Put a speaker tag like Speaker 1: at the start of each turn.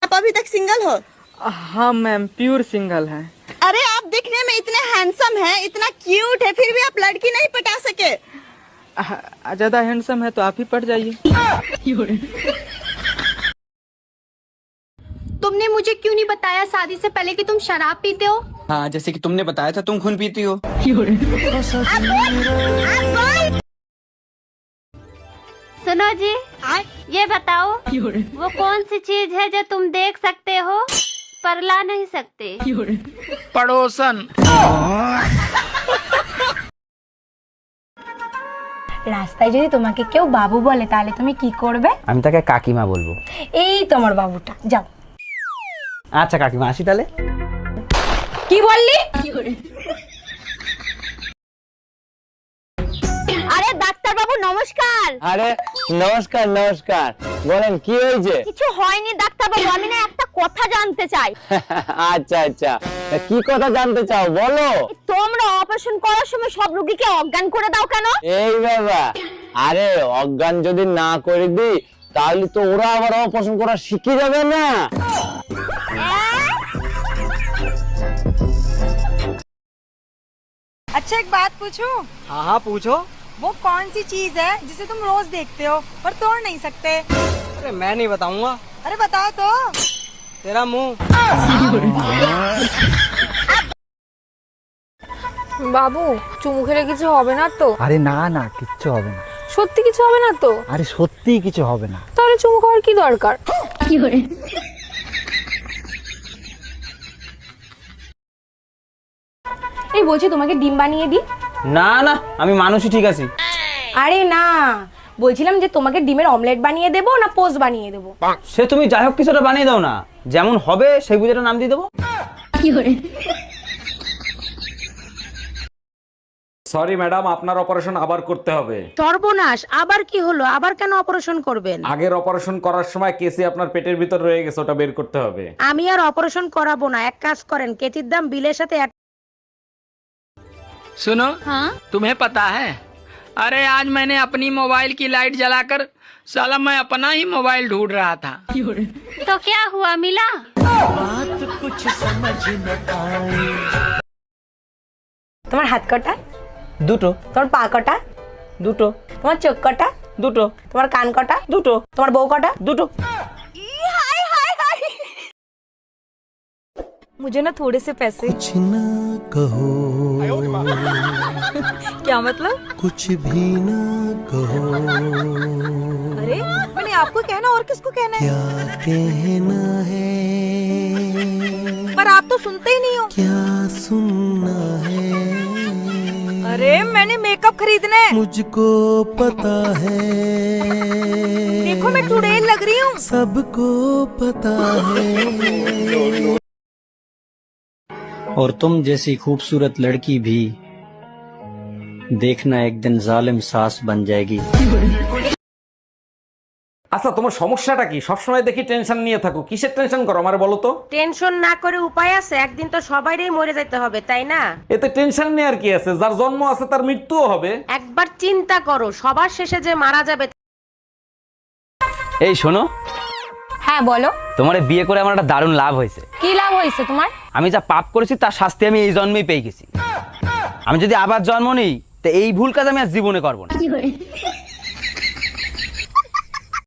Speaker 1: आप अभी तक सिंगल हो?
Speaker 2: हाँ मैम, प्योर सिंगल है।
Speaker 1: अरे आप दिखने में इतने हैंडसम हैं, इतना क्यूट है, फिर भी आप लड़की नहीं पटा सके।
Speaker 2: ज्यादा हैंडसम है तो आप ही पट जाइए।
Speaker 3: तुमने मुझे क्यों नहीं बताया शादी से पहले कि तुम शराब पीते हो?
Speaker 4: हाँ, जैसे कि तुमने बताया था तुम खून पीती हो।
Speaker 5: सुनो जी, ये बताओ वो कौन सी चीज है जो तुम देख सकते हो पर ला नहीं सकते?
Speaker 4: पड़ोसन।
Speaker 3: রাস্তায় যদি তোমাকে কেউ বাবু বলে তাহলে তুমি কি করবে?
Speaker 6: আমি তাকে কাকিমা বলবো।
Speaker 3: এই তোমার বাবুটা, যাও।
Speaker 6: আচ্ছা কাকিমা, আসি তাহলে।
Speaker 3: কি বললি?
Speaker 5: আরে ডাক্তার বাবু নমস্কার।
Speaker 6: আরে নমস্কার নমস্কার, বলেন কি হয়েছে?
Speaker 5: কিছু হয়নি ডাক্তার বাবু, আমি না একটা কথা জানতে চাই।
Speaker 6: আচ্ছা আচ্ছা, কি কথা জানতে চাও বলো।
Speaker 5: তোমরা অপারেশন করার সময় সব রোগীকে অজ্ঞান করে দাও কেন?
Speaker 6: এই বাবা, আরে অজ্ঞান যদি না করে দিই তাহলে তো ওরা আবার অপারেশন করা শিখে যাবে না।
Speaker 7: अच्छा एक बात पूछूं?
Speaker 2: हाँ हाँ पूछो।
Speaker 7: वो कौन सी चीज है जिसे तुम रोज देखते हो पर तोड़ नहीं सकते?
Speaker 2: अरे मैं नहीं बताऊंगा।
Speaker 7: अरे बताओ तो।
Speaker 2: तेरा मुंह।
Speaker 8: বাবু চুমু খেলে কিছু হবে না তো?
Speaker 9: আরে না না, কিচ্ছু হবে না।
Speaker 8: সত্যি কিছু হবে না তো?
Speaker 9: আরে সত্যি কিছু হবে না।
Speaker 8: তাহলে চুমু খাওয়ার কি দরকার?
Speaker 3: এই বলছি তোমাকে ডিম বানিয়ে দিই?
Speaker 6: না না, আমি মানুষই ঠিক আছি।
Speaker 3: আরে না, বলছিলাম যে তোমাকে ডিমের অমলেট বানিয়ে দেবো না পোস্ট বানিয়ে দেবো?
Speaker 6: সে তুমি যাই হোক কিছুটা বানিয়ে দাও না, যেমন হবে সেই বুঝে নাম দিয়ে দেবো।
Speaker 10: সরি ম্যাডাম, আপনার অপারেশন আবার করতে হবে।
Speaker 7: সর্বনাশ, আবার কি হলো? আবার কেন অপারেশন করবেন?
Speaker 10: আগের অপারেশন করার সময় কেসি আপনার পেটের ভিতর রয়ে গেছে, ওটা বের করতে হবে।
Speaker 7: আমি আর অপারেশন করাবো না, এক কাজ করেন, কেচির দাম বিলের সাথে
Speaker 4: सुनो, हाँ? तुम्हें पता है, अरे आज मैंने अपनी मोबाइल की लाइट जलाकर साला मैं अपना ही मोबाइल ढूंढ रहा था।
Speaker 5: तो क्या हुआ, मिला?
Speaker 4: बात कुछ समझ न आई।
Speaker 3: তোমার হাত কটা?
Speaker 6: দুটো।
Speaker 3: তোমার পা কটা?
Speaker 6: দুটো।
Speaker 3: তোমার চোখ কটা?
Speaker 6: দুটো।
Speaker 3: তোমার কান কটা?
Speaker 6: দুটো।
Speaker 3: তোমার বউ কটা?
Speaker 6: দুটো।
Speaker 7: मुझे ना थोड़े से पैसे।
Speaker 11: कुछ ना कहो।
Speaker 7: क्या मतलब?
Speaker 11: कुछ भी ना कहो।
Speaker 7: अरे मैंने आपको कहना और किसको कहना है?
Speaker 11: क्या कहना है
Speaker 7: पर आप तो सुनते ही नहीं हो।
Speaker 11: क्या सुनना है?
Speaker 7: अरे मैंने मेकअप खरीदना है।
Speaker 11: मुझको पता है।
Speaker 7: देखो मैं चुड़ैल लग रही हूँ।
Speaker 11: सबको पता है। और तुम जैसी खूबसूरत लड़की भी देखना एक दिन जालिम सास बन जाएगी।
Speaker 10: আচ্ছা, তোমার সমস্যাটা কি? সবসময় দেখি টেনশন নিয়ে থাকো, কিসের টেনশন করো আমারে বলো তো?
Speaker 7: টেনশন না করে উপায় আছে, একদিন তো সবাইরই মরে যেতে হবে, তাই না?
Speaker 10: এতে টেনশন নেওয়ার কি আছে? যার জন্ম আছে তার মৃত্যুও হবে।
Speaker 7: একবার চিন্তা করো, সবার শেষে যে মারা যাবে।
Speaker 6: এই শোনো,
Speaker 3: হ্যাঁ বলো।
Speaker 6: তোমার বিয়ে করে আমার একটা দারুণ লাভ হয়েছে।
Speaker 3: কি লাভ হয়েছে তোমার?
Speaker 6: আমি যা পাপ করেছি তার শাস্তি আমি এই জন্মেই পেয়ে গেছি। আমি যদি আবার জন্ম নিই তো এই ভুল কাজ আমি আর জীবনে করবো না।